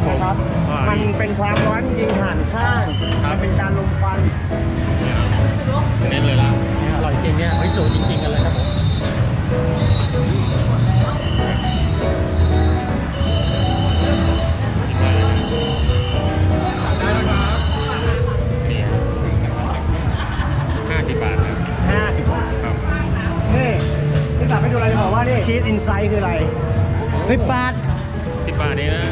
ผมนะครับมันเป็นความร้อนยิงผ่านข้างมันเป็นการลมควันเน้นเลยละอร่อยจริงเนี่ยสูตรจริงๆกันเลยครับผมได้แล้วครับนี่50 บาทครับ 50 บาทครับนี่ที่ตัดให้ดูอะไรจะบอกว่านี่ชีสอินไซด์คืออะไร10 บาท 10 บาทนี้นะ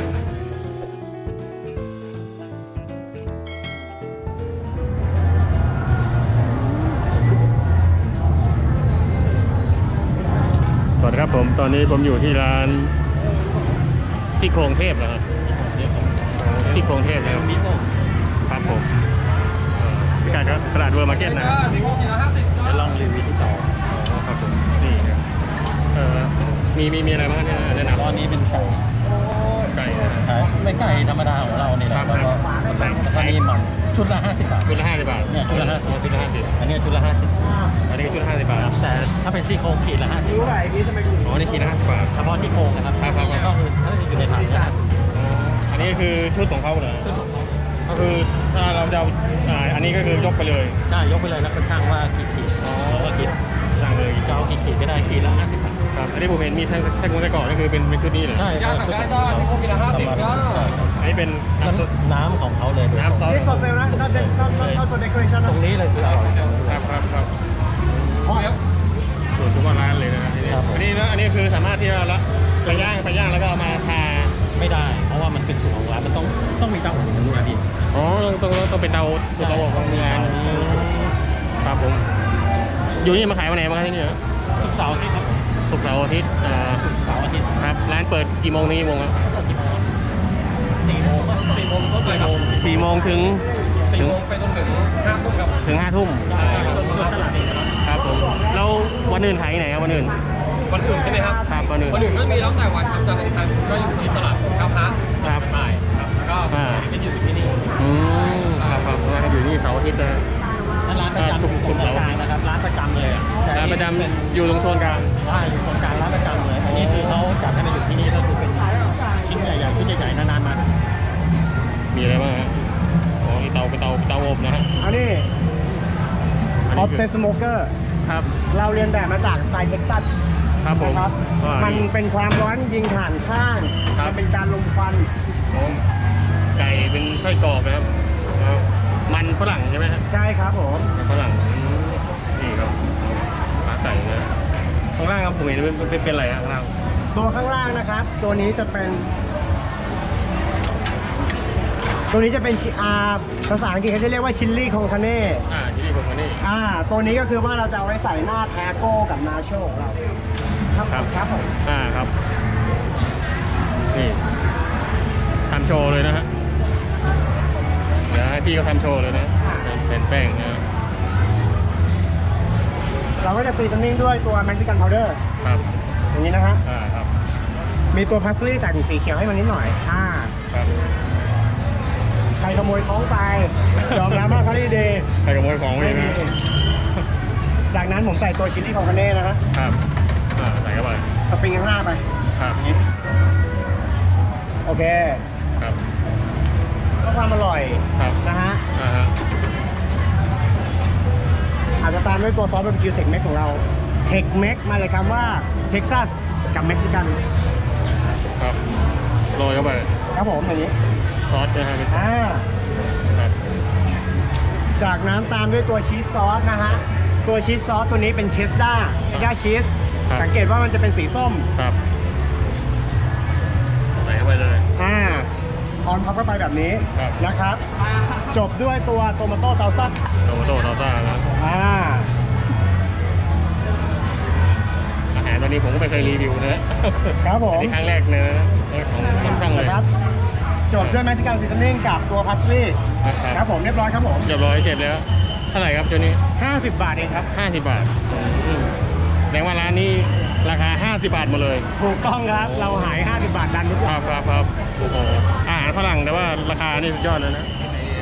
สวัสดีครับผมตอนนี้ผมอยู่ที่ร้านซี่โครงเทพนะครับซี่โครงเทพนะครับครับผมพิกัดก็ตลาดเวอร์มาร์เก็ตนะครับจะลองรีวิวที่ต่อครับผมนี่ครับมีอะไรบ้างเนี่ยแนะนำตอนนี้เป็นไก่ไก่นะไม่ไก่ธรรมดาของเราเนี่ยแหละแล้วก็มีมันชุดละ50 บาทชุดละ50 บาทเนี่ยชุดละ50 ชุดละ50 อันนี้ชุดละ50 อันนี้ก็ชุดละ50 บาทแต่ถ้าเป็นซี่โครงขีดละ50 รู้ไหมพี่ทำไมถึงอ๋อนี่ขีดละ50 บาทเฉพาะซี่โครงนะครับครับก็คือถ้าอยู่ในถังเนี่ยอันนี้คือชุดของเขาเหรอชุดของเขาก็คือถ้าเราจะเอาอันนี้ก็คือยกไปเลยใช่ยกไปเลยแล้วก็ช่างว่ากี่ขีดแล้วก็คิดสั่งเลยจะเอากี่ขีดก็ได้ขีดละ50 บาทครับอันนี้ผมเห็นมีไส้กุ้งไส้กรอกก็คือเป็นชุดนี้เหรอใช่ย่าสั่งได้ที่โคกิละ50ก็อันนี้เป็นน้ำซุปน้ำของเขาเลยน้ำซอสนี่สดเซลนะน่าจะสดเดคอเรชั่นตรงนี้เลยคืออร่อยครับส่วนทุกร้านเลยนะที่นี่ครับผมอันนี้นะอันนี้คือสามารถที่จะละไปย่างแล้วก็เอามาทาไม่ได้ เพราะว่ามันเป็นสูตรของร้านมันต้องมีเตาอบมันด้วยพี่อ๋อต้องเป็นเตาอบของงานครับผมอยู่นี่มาขายวันไหนบ้างครับที่นี่ทุกเสาร์อาทิตย์ครับศุกร์เสาร์อาทิตย์เสาร์อาทิตย์ครับร้านเปิดกี่โมงถึงกี่โมงครับ 4 โมงต้นไปครับ 4 โมงถึง 4 โมงไปจนถึง5 ทุ่มครับถึง 5 ทุ่มตลาดเองครับครับผมแล้ววันอื่นขายที่ไหนครับวันอื่นวันอื่นใช่ไหมครับครับวันอื่นวันอื่นก็มีแล้วแต่วันครับจะเป็นทางก็อยู่ที่ตลาดข้าวพระครับบ่ายครับแล้วก็จะอยู่ที่นี่ครับร้านอยู่นี่เสาร์อาทิตย์นะร้านประจำศุกร์เสาร์กลางนะครับร้านประจำเลยร้านประจำอยู่ตรงโซนกลางว่าอยู่ตรงกลางร้านประจำเลยอันนี้คือเขาจัดให้มาอยู่ที่นี่ก็คือเป็นชิ้นใหญ่ๆชิ้นใหญ่ๆนานๆมามีอะไรบ้างฮะอ๋อนี่เตาอบนะฮะอันนี้ออฟเซสโมเกอร์ครับเราเรียนแบบมาจากสไตล์เท็กซัสครับผมนะครับว่ามันเป็นความร้อนยิงผ่านข้างครับมันเป็นการลมควันผมไก่เป็นไส้กรอกนะครับมันฝรั่งใช่ไหมฮะใช่ครับผมมันฝรั่งนี่ครับขาไก่นะข้างล่างครับผมเห็นเป็นอะไรฮะข้างล่างตัวข้างล่างนะครับ ตัวนี้จะเป็นภาษาอังกฤษเขาจะเรียกว่าชิลลี่คองคาเน่ที่นี่ผมมานี่ตัวนี้ก็คือว่าเราจะเอาไว้ใส่หน้าทาโก้กับนาโชของเราครับผมครับนี่ทำโชว์เลยนะฮะเดี๋ยวให้พี่เขาทำโชว์เลยนะเป็นแป้งนะเราก็จะซีซันนิ่งด้วยตัวเม็กซิกันพาวเดอร์ครับอย่างนี้นะฮะครับมีตัวพาสลีย์แต่งสีเขียวให้มันนิดหน่อยครับใครขโมยของไปยอมรับว่าเขาดีใครขโมยของไปนะจากนั้นผมใส่ตัวชิลลี่คองคาเน่นะฮะครับใส่เข้าไปสปริงข้างหน้าไปครับอย่างนี้โอเคครับเพื่อความอร่อยครับนะฮะฮะอาจจะตามด้วยตัวซอสบาร์บีคิวเทคเม็กของเราเทคเม็กมาเลยคำว่าเท็กซัสกับเม็กซิกันครับโรยเข้าไปครับผมอย่างนี้ซอสนะฮะเป็นซอสครับจากนั้นตามด้วยตัวชีสซอสนะฮะตัวชีสซอสตัวนี้เป็นเชสด้าชีสสังเกตว่ามันจะเป็นสีส้มครับใส่เข้าไปเลยออนพับเข้าไปแบบนี้ครับนะครับ จบด้วยตัวโตมาโต้ซาลซ่าโตมาโต้ซาลซ่านะ อาหารตัวนี้ผมก็ไม่เคยรีวิวนะครับผมนี่ครั้งแรกเลยนะของช่างเลยนะครับจบด้วยเม็กซิกันซีซันนิ่งกับตัวพาสลีย์คครัรับบผมเรียบร้อยครับผมเรียบร้อยเสร็จแล้วเท่าไหร่ครับตัวนี้ 50 บาทเองครับ 50 บาทแสดงว่าร้านนี้ราคา50 บาทหมดเลยถูกต้องครับเราหาย 50 บาทดันทุกควัรันบโอ้โหอาหารฝรั่งแต่ว่าราคานี่สุดยอดเลยนะ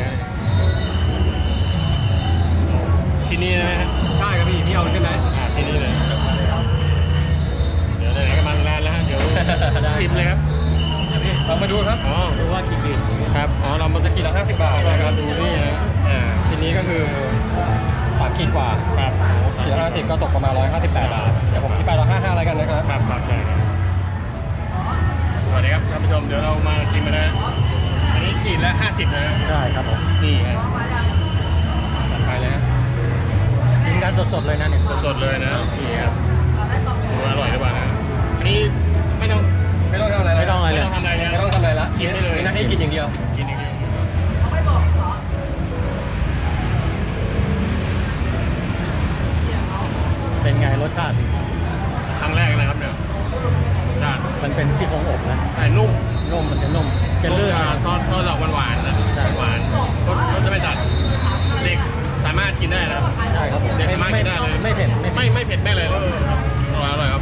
ชิ้นนี้นะฮะได้ครับพี่เอาใช่ไหมชิ้นนี้เลยเดี๋ยวไหนๆก็มาร้านแล้วฮะเดี๋ยวชิมเลยครับลองมาดูครับอ๋อดูว่ากี่ขีดครับอ๋อเรามันจะจะขีดละ50 บาทนะครับดูนี่นะชิ้นนี้ก็คือ3ขีดกว่าครับขีดละ50ก็ตกประมาณ158 บาทเดี๋ยวผมคิดไป155อะไรกันนะครับครับครับใช่ครับสวัสดีครับท่านผู้ชมเดี๋ยวเรามาชิมกันนะอันนี้ขีดละ50นะใช่ครับผมนี่ครับจัดไปเลยฮะกินกันสดๆเลยนะเนี่ยสดๆเลยนะนี่ครับดูอร่อยหรือเปล่านะอันนี้ไม่ต้องไม่ต้องทำอะไรไม่ต้องทำอะไรนะไม่ต้องทำอะไรละกินได้เลยมีหน้าที่กินอย่างเดียวกินอย่างเดียวเป็นไงรสชาติครั้งแรกนะครับเนี่ยจ้ามันเป็นซี่โครงอบนะแต่นุ่มนุ่มมันจะนุ่มจะลื่นซอสดอกหวานๆนะใช่หวานรสจะไม่จัดเด็กสามารถกินได้นะครับใช่ครับผมเด็กสามารถกินได้เลยไม่เผ็ดไม่เผ็ดไม่เลยอร่อยครับ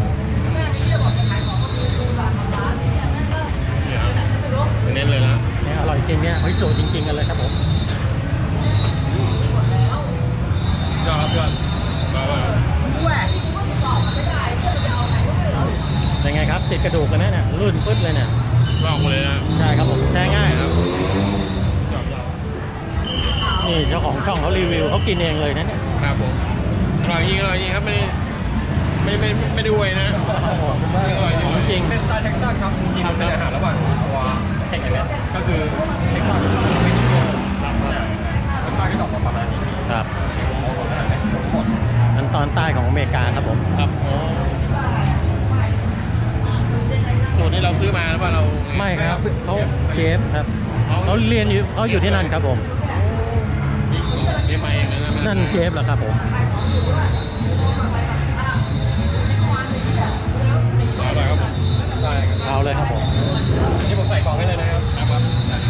เนี่ยครับเน้นเลยนะเนี่ยอร่อยจริงเนี่ยเฮ้ยสูตรจริงๆกันเลยครับผมยอดครับยอดมาว่าเป็นไงครับติดกระดูกกันนะเนี่ยลื่นปึ๊ดเลยเนี่ยลอกมาเลยนะใช่ครับผมแช่ง่ายครับยอดนี่เจ้าของช่องเขารีวิวเขากินเองเลยนะเนี่ยครับผมอร่อยจริงครับไม่ได้อวยนะอร่อยจริงของจริงเป็นสไตล์เท็กซัสครับจริงๆมันเป็นอาหารระหว่างตัวเท็กซัสก็คือเท็กซัสกับเม็กซิโกรสชาติก็จะออกมาประมาณนี้ครับของอาหารเม็กซิโกทั้งหมดอันตอนใต้ของอเมริกาครับผมครับสูตรที่เราซื้อมาหรือว่าเราไม่ครับเขาเชฟครับเขาเรียนอยู่เขาอยู่ที่นั่นครับผมเรียนมาเองนะนั่นเชฟเหรอครับผมอร่อยครับผมได้ครับเอาเลยครับผมนี่ผมใส่กล่องให้เลยนะครับครับ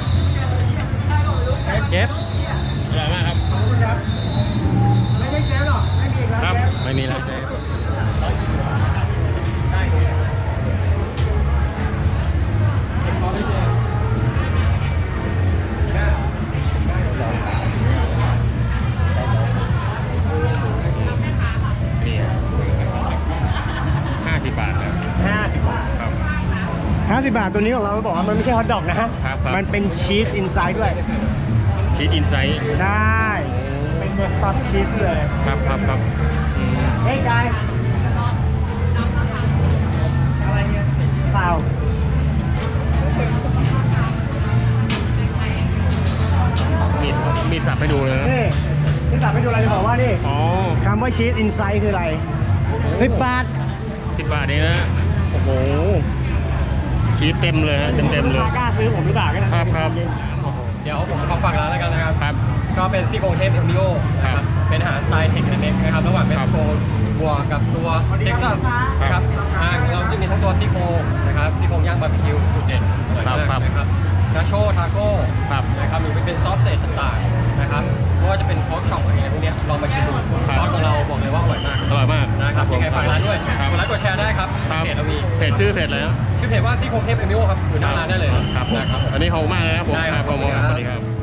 เชฟอร่อยมากครับไม่ใช่เชฟหรอกไม่มีครับครับเชฟไม่มีแล้วเชฟนี่50 บาทครับ 50 บาทครับ 50 บาทตัวนี้ของเราบอกว่ามันไม่ใช่ฮอทดอกนะฮะครับมันเป็นชีสอินไซด์ด้วยชีสอินไซต์ใช่ เป็นเบอร์สต็อกชีสเลยครับอืมเฮ้ยกายเปล่ามีดสับให้ดูเลยนะนี่ที่ตัดไปดูอะไรจะบอกว่านี่อ๋อคำว่าชีสอินไซด์คืออะไร10 บาท 10 บาทเองนะโอ้โหชีสเต็มเลยฮะเต็มเลยลูกค้ากล้าซื้อผมหรือเปล่ากันนะครับเดี๋ยวผมขอฝากร้านแล้วกันนะครับครับก็เป็นซี่โครงเทพเอ็มริโอนะคครัรับบ เป็นอาหารสไตล์เทคเน็กนะครับระหว่างเม็กซิโกบวกกับตัวเท็กซัสนะครับของเราจะมีทั้งตัวซี่โครงนะครับซี่โครงย่างบาร์บีคิวจุดเด่นอร่อยมากนะครับนาโชทาโก้ครับนะครับหรือเป็นซอสเศษต่างๆนะครับไม่ว่าจะเป็นพอกช็อปอะไรพวกเนี้ยลองมาชิมดูซอสของเราบอกเลยว่าอร่อยมากอร่อยมากนะครับยังไงฝากร้านด้วยครับกดไลค์กดแชร์ได้ครับครับเพจเรามีเพจชื่อเพจอะไรนะชื่อเพจว่าซี่โครงเทพเอมิโอครับอยู่หน้าร้านได้เลยครับนะครับอันนี้ขอบคุณมากเลยนะครับผมได้ครับผมขอบคุณครับสวัสดีครับ